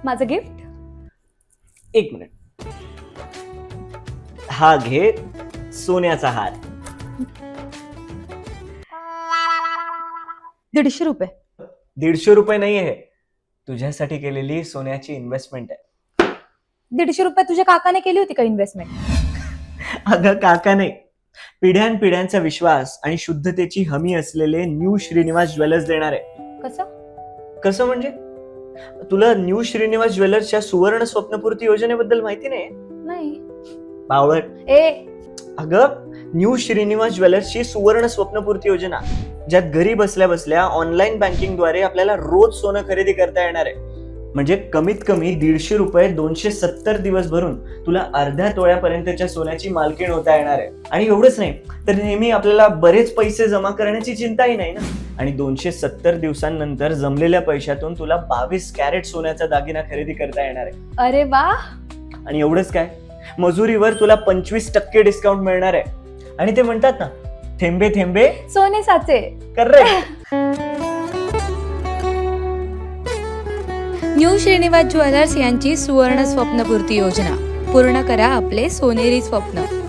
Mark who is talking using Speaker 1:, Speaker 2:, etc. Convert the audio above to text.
Speaker 1: माझं गिफ्ट.
Speaker 2: एक मिनिट. हा घे सोन्याचा हार.
Speaker 1: 150 रुपये.
Speaker 2: 150 रुपये नाही आहे, तुझ्यासाठी केलेली सोन्याची इन्व्हेस्टमेंट आहे.
Speaker 1: 150 रुपये तुझ्या काकाने केली होती का इन्व्हेस्टमेंट?
Speaker 2: अगं काका नाही, पिढ्यानपिढ्यांचा विश्वास आणि शुद्धतेची हमी असलेले न्यू श्रीनिवास ज्वेलर्स देणार आहे. कसं म्हणजे? तुला न्यू श्रीनिवास ज्वेलर्सच्या सुवर्ण स्वप्नपूर्ती योजनेबद्दल माहिती
Speaker 1: नाही.
Speaker 2: बावळट.
Speaker 1: ए
Speaker 2: अगं न्यू श्रीनिवास ज्वेलर्सची सुवर्ण स्वप्नपूर्ती योजना, ज्यात घरी बसल्या बसल्या ऑनलाईन बँकिंग द्वारे आपल्याला रोज सोनं खरेदी करता येणार आहे. म्हणजे कमीत कमी 150 रुपये 270 दिवस भरून तुला अर्ध्या तोळ्यापर्यंतच्या सोन्याची मालकीण होता येणार आहे. आणि एवढंच नाही, तर नेहमी आपल्याला बरेच पैसे जमा करण्याची चिंताही नाही ना. आणि 270 दिवसांनंतर जमलेल्या पैशातून तुला 22 कॅरेट सोन्याचा दागिना खरेदी करता येणार आहे.
Speaker 1: अरे वा.
Speaker 2: आणि एवढंच काय, मजुरीवर तुला 25% डिस्काउंट मिळणार आहे. आणि ते म्हणतात ना, थेंबे थेंबे
Speaker 1: सोने साचे.
Speaker 2: करेक्ट.
Speaker 3: न्यू श्रीनिवास ज्वेलर्स यांची सुवर्ण स्वप्नपूर्ती योजना. पूर्ण करा आपले सोनेरी स्वप्न.